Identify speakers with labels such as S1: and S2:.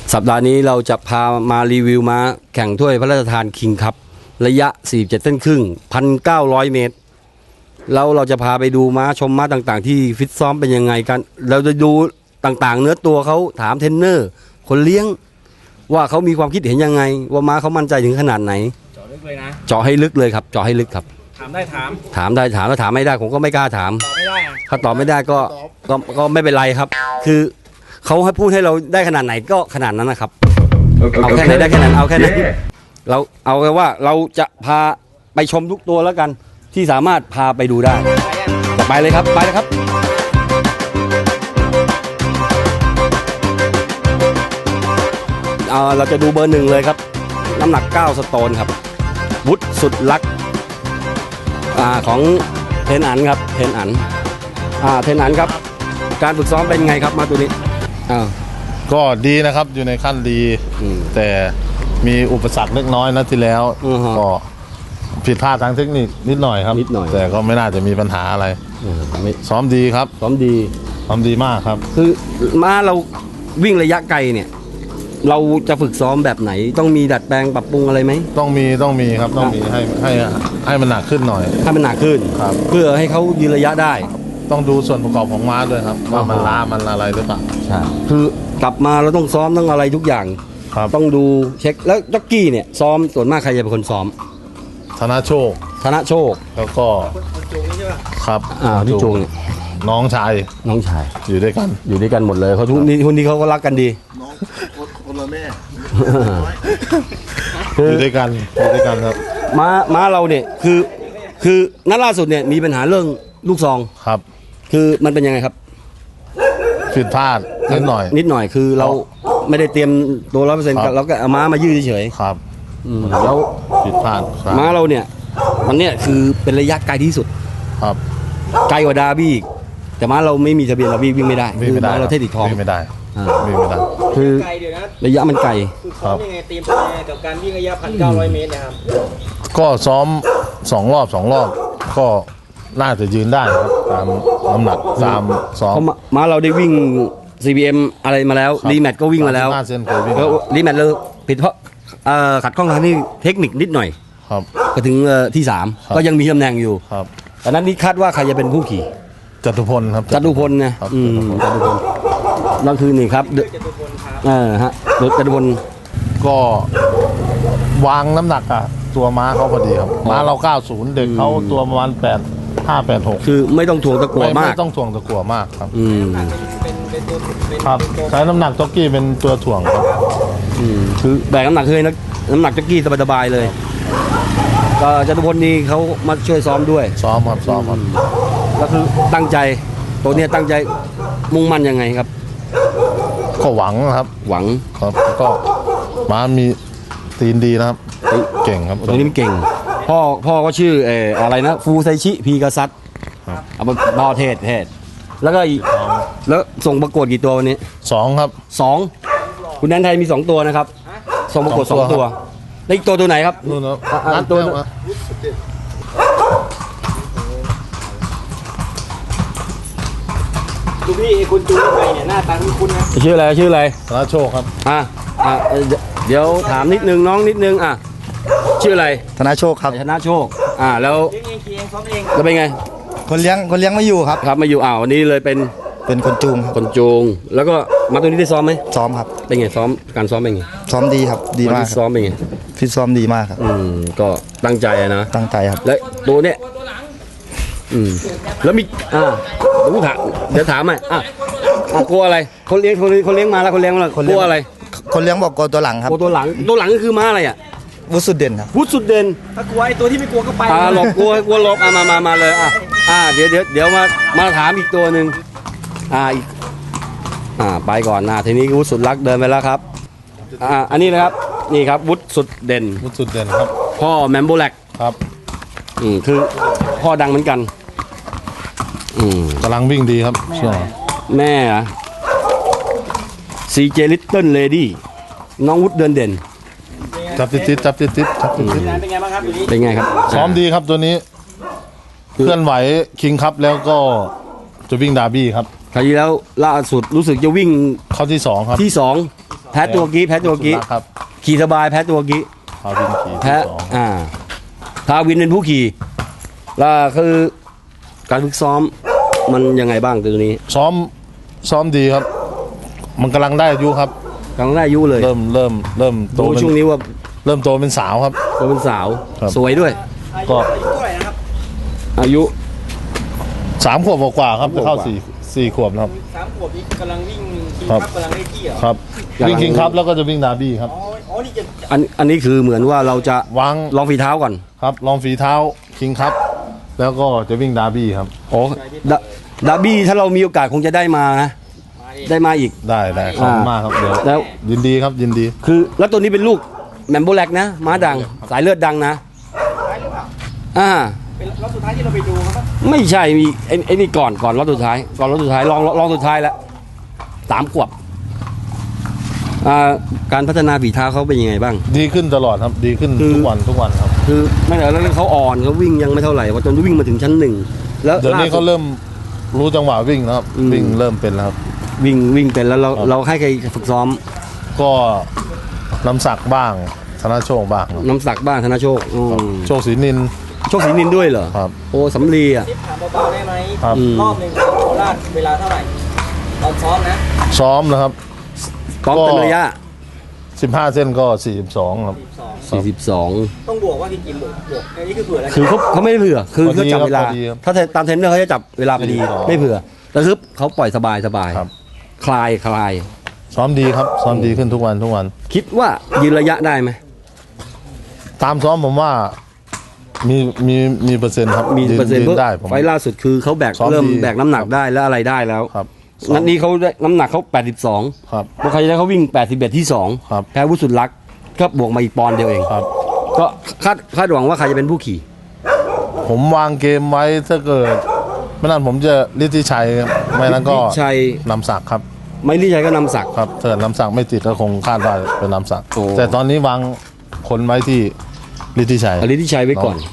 S1: สัปดาห์นี้เราจะพามารีวิวม้าแข่งถ้วยพระราชทานคิงคัพระยะ 47 เส้นครึ่ง 1,900 เมตรแล้วเราจะพาไปดูม้าชมม้าต่างๆที่ฟิตซ้อมเป็นยังไงกันเราจะดูต่างๆเนื้อตัวเขาถามเทรนเนอร์คนเลี้ยงว่าเขามีความคิดเห็นยังไงว่าม้าเขามั่นใจถึงขนาดไหน
S2: เจาะลึกเลยนะ
S1: เจาะให้ลึกเลยครับเจาะให้ลึกครับ
S2: ถามได้ถาม
S1: ได้ถามแล้วถามไม่ได้ผมก็ไม่กล้าถาม
S2: ตอบไม่ได้
S1: ถ้าตอบไม่ได้ก็ไม่เป็นไรครับคือเขาให้พูดให้เราได้ขนาดไหนก็ขนาดนั้นนะครับเอาแค่ไหนได้แค่นั้นเอาแค่นั้นเราเอาแค่ว่าเราจะพาไปชมทุกตัวแล้วกันที่สามารถพาไปดูได้ไปเลยครับไปเลยครับเราจะดูเบอร์หนึ่งเลยครับน้ำหนัก9 สโตนครับวุฒิสุดลักษณ์ของเทนอันครับเทนอันครับการฝึกซ้อมเป็นไงครับมาตัวนี้
S3: ก็ดีนะครับอยู่ในขั้นดีแต่มีอุปสรรคเล็กน้อยนะที่แล้วก็ผิดพลาดทางเทคนิคนิดหน่อยครับแต่ก็ไม่น่าจะมีปัญหาอะไรซ้อมดีครับ
S1: ซ้อมดี
S3: มากครับ
S1: คือม้าเราวิ่งระยะไกลเนี่ยเราจะฝึกซ้อมแบบไหนต้องมีดัดแปลงปรับปรุงอะไรไหม
S3: ต้องมีครับต้องมีให้มันหนักขึ้นหน่อย
S1: ให้มันหนักขึ้น
S3: ครับ
S1: เพื่อให้เขายืนระยะได้
S3: ต้องดูส่วนประกอบของม้าด้วยครับว่ามันล้ามันอะไรหรือเปล่า
S1: ใช่คือกลับมาเราต้องซ้อมต้องอะไรทุกอย่างต้องดูเช็คแล้วจ็อกกี้เนี่ยซ้อมส่วนมากใครจะเป็นคนซ้อม
S3: ธนโชคแล้วก็ครับ
S1: พี่จงเนี่ย
S3: น้องชายอยู่ด้วย
S1: กันหมดเลยเขาทุกนี้เขาก็รักกันดี
S3: น้องคนละแม่อยู่ด้วยกันครับ
S1: ม้าเราเนี่ยคือนัดล่าสุดเนี่ยมีปัญหาเรื่องลูกซอง
S3: ครับ
S1: คือมันเป็นยังไงครับ
S3: ผิดพลาดนิดหน่
S1: อยคือเราไม่ได้เตรียมตัว100%เราก็เอาม้ามายืดเฉย
S3: ๆครับ
S1: แล้ว
S3: ผิดพลาด
S1: ม้าเราเนี่ยมันเนี่ยคือเป็นระยะไกลที่สุด
S3: ครับ
S1: ไกลกว่าดาร์บี้อีกแต่ม้าเราไม่มีทะเบียนเราวิ่งไม่ได้คือม้าเราเทติดทอง
S3: วิ่งไม่ได้
S1: คือระยะมันไกล
S2: คือซ้อมยังไงเตรียมตัวยังไงกับการวิ่งระยะ 1,900 เมตรนะครับ
S3: ก็ซ้อม2 รอบก็น่าจะยืนได้ครับตามน้ำหนักตามซ้อม
S1: ม้าเราได้วิ่ง CBM อะไรมาแล้วรีแมทก็วิ่งมาแล้วแล้วรีแมทเลยผิดเพราะขัดข้องทางนี้เทคนิคนิดหน่อย
S3: ครับ
S1: ก็ถึงที่3ก็ยังมีตำแหน่งอยู่
S3: ครับ
S1: แต่นั้นนี่คาดว่าใครจะเป็นผู้ขี่
S3: จตุพลครับ
S1: จตุพลนะจตุพลนั่นคือนี่ครับจตุพล
S3: ก็วางน้ำหนักอะตัวม้าเขาพอดีครับม้าเรา90เด็กเขาตัวประมาณ85-86
S1: คือไม่ต้องถ่วงตะกั่วมาก
S3: ไม่ต้องถ่วงตะกั่วมากครับครับใช้น้ำหนักจ็อกกี้เป็นตัวถ่วงครับ
S1: คือแบกน้ำหนักเลยนะน้ำหนักจ็อกกี้สบายๆเลยก็จตุพลนี่เขามาช่วยซ้อมด้วย
S3: ซ้อมครับ
S1: แล้วคือตั้งใจตัวนี้ตั้งใจมุ่งมั่นยังไงครับ
S3: ก็หวังครับก็ม้ามีตีนดีนะครับเก่งครับ
S1: ตัวนี้มันเก่งพ่อก็ชื่ออะไรนะฟูไซชิพีกาซัตเอามาบอเทศแล้วก็แล้วส่งประกวดกี่ตัววันนี้
S3: 2ครับ
S1: 2คุณแดนไทยมี2ตัวนะครับส่งประกวด2ตัวแล้วอีกตัวไหนครับ
S3: นู่นนะ
S1: ตัว
S2: ดูพี่คุณจูนไปเนี่ยหน้าตาคุ้นๆนะ
S1: ชื่ออะไร
S3: ธนโชคครับ
S1: เดี๋ยวถามนิดนึงน้องนิดนึงชื่ออะไร
S4: ธนโชคครับ
S1: ธนโชคแล้ว
S2: เลี้ยงเองซ้อมเอง
S1: แล้วเป็นไง
S4: คนเลี้ยงไม่อยู่ครับ
S1: ไม่อยู่วันนี้เลยเป็น
S4: คน
S1: จูงแล้วก็มาตัวนี้ได้ซ้อมไหม
S4: ซ้อมครับ
S1: เป็นไงการซ้อมเป็นไง
S4: ซ้อมดีครับดีมาก
S1: ซ้อมเป็นไง
S4: ฟิตซ้อมดีมากครับ
S1: ก็ตั้งใจนะ
S4: ตั้งใจครับ
S1: และตัวเนี้ยแล้วมีเดี๋ยวถามหน่อยกลัวอะไรคนเลี้ยงมาแล้วคนเลี้ยงกลัวอะไร
S4: คนเลี้ยงบอกกลัวตัวหลังครับ
S1: ตัวหลังก็คือม้าอะไร
S4: วุฒิสุดเด่นครับ
S1: วุฒิสุดเด่น
S2: ถ้ากลัวไอ้ตัวที่ไม่กลัวก็ไป
S1: หลบกลัวหลบมาเลยเดี๋ยวมาถามอีกตัวหนึ่งไปก่อนทีนี้วุฒิสุดรักเดินไปแล้วครับอันนี้นะครับนี่ครับวุฒิสุดเด่น
S3: ครับ
S1: พ่อแมมโบแลก
S3: ครับ
S1: คือพ่อดังเหมือนกัน
S3: กำลังวิ่งดีครับช่วง
S1: แม่CJ Little Lady น้องวุฒิเดินเด่น
S3: จับติด
S2: เป็นไงบ้างครับ
S1: เป็นไงครับ
S3: ซ้อมดีครับตัวนี้เคลื่อนไหวคิงคัพแล้วก็จะวิ่งดาร์บี้ครับ
S1: คราวที่แล้วล่าสุดรู้สึกจะวิ่ง
S3: เข้าที่2ครับ
S1: ที่2 แพ้ตัวกี้แพ้ตัวกี้
S3: ครับ
S1: ขี่สบายแพ้ตัวกี้
S3: พาวินขี่
S1: แพ้
S3: ที่สอง
S1: พาวินเป็นผู้ขี่แล้วคือการฝึกซ้อมมันยังไงบ้างตัวนี้
S3: ซ้อมดีครับ มันกำลังได้อายุครับ
S1: กำลังได้อายุเลย
S3: เริ่มโต
S1: ดู
S3: เป็น
S1: ช่วงนี้ว่า
S3: เริ่มโตเป็นสาวครับ
S1: ตัวเป็นสาว
S3: ครับ
S1: สวยด้วย
S3: ก็
S2: อายุเท่าไหร่นะครับ
S1: อายุ
S3: 3 ขวบกว่าๆครับจะเข้า
S1: 3 ขวบกว่า
S3: 4 ขวบนะครับ
S2: 3 ขวบนี้กำลังวิ่งคิง
S3: ครับ
S2: คัพกำลังได้ที่เหรอ
S3: ครับ
S1: กำลัง
S3: วิ่งคิงครับแล้วก็จะวิ่งดาร์บี้ครับ
S2: อ๋อนี่จะ
S1: อันนี้คือเหมือนว่าเราจะ
S3: วาง
S1: ลองฝีเท้าก่อน
S3: ครับลองฝีเท้าคิงครับ แล้วก็จะวิ่งดาร์บี้ครับ
S1: โอ้ดาร์บี้ถ้าเรามีโอกาสคงจะได้มานะ
S2: มาดิ
S1: ได้มาอีก
S3: ได้ขอบคุณมากครับเดี๋ยว
S1: แล้ว
S3: ยินดีครับยินดี
S1: คือแล้วตัวนี้เป็นลูกแมมโบแลกนะม้าดังสายเลือดดังนะ
S2: ท้ายหรือเปล่า
S1: อ่า
S2: เป็นรอบสุดท้ายที่เราไปดูครับ
S1: ไม่ใช่มีไอ้นี่ก่อนรอบสุดท้ายก่อนรอบสุดท้ายลองสุดท้ายแล้ว3 ขวบการพัฒนาฝีเท้าเขาเป็นยังไงบ้าง
S3: ดีขึ้นตลอดครับดีขึ้น
S1: คือ
S3: ทุกวันครับ
S1: คือไม่แต่แล้วเขาอ่อนเขาวิ่งยังไม่เท่าไหร่ว่าจนวิ่งมาถึงชั้น 1แล้ว
S3: เดี๋ยวนี้เขาเริ่มรู้จังหวะวิ่งแล้วครับวิ่งเริ่มเป็นแล้วครับ
S1: วิ่งเป็นแล้วเราให้ใครฝึกซ้อม
S3: ก็น้ำสักบ้างธนโชคบ้างครับ
S1: น้ำศักดิ์บ้างธนโชค
S3: โชคศรีนิน
S1: โชคศรีนินด้วยเหรอ
S3: ครับ
S1: โอ้สำลีอ่ะ
S2: ทิปถามเบาๆได้ไหม
S3: ครับ
S2: รอบหนึ่งโคราชเวลาเท่าไหร่ตอนซ้อมนะ
S3: ซ้อมนะครับ
S1: ซ้อมเต็มระยะ
S3: 15 เส้นก็ 42 ครับ
S1: 42
S2: ต้องบวกว่าพี่กิมบวกอันนี้คือเผื่อแล้ว
S1: คือเขาไม่ได้เผื่อคือ
S3: พอดี
S1: เขาจับเวลา
S3: ครับพอดีครับ
S1: ถ้าตามเทรนเนอร์เขาจะจับเวลาพอดี
S3: อ๋อ
S1: ไม่เผื่อแต่คือเขาปล่อยสบาย
S3: ครับ
S1: คลาย
S3: ซ้อมดีครับซ้อมดีขึ้นทุกวัน
S1: คิดว่ายืนระยะได้ไหม
S3: ตามซ้อมผมว่ามีเปอร์เซ็นต์ครับ
S1: มีเปอร์เซ็นต์
S3: ยื
S1: เพราะ
S3: ได้ผม
S1: ไฟล์ล่าสุดคือเขาแบก
S3: ซ้อมดี
S1: เริ่มแบกน้ำหนักได้แล้วอะไรได้แล้ว
S3: ครับ
S1: นัดนี้เขาได้น้ำหนักเขา82
S3: ครับ
S1: เมื่อคราวที่แล้วเขาวิ่ง81ที่ 2
S3: ครับ
S1: แพ้วุฒิสุดรักษ์ก็บวกมาอีกปอนด์เดียวเอง
S3: ครับ
S1: ก็คาดหวังว่าใครจะเป็นผู้ขี่
S3: ผมวางเกมไว้ถ้าเกิดไม่นั้นผมจะฤทธิชัยครับไม่นั้นก็
S1: ฤทธิชัย
S3: นำศักดิ์ครับ
S1: ไม่รีชัยก็นำศักดิ์
S3: ครับถ้าเกิดนำศักดิ์ไม่ติดก็คงคาดว่าเป็นนำศักดิ์
S1: โอ้
S3: แต่ตอนนี้วางคนไว้ที่ฤทธิชัย
S1: เอาฤทธิชัยไว้ก่อน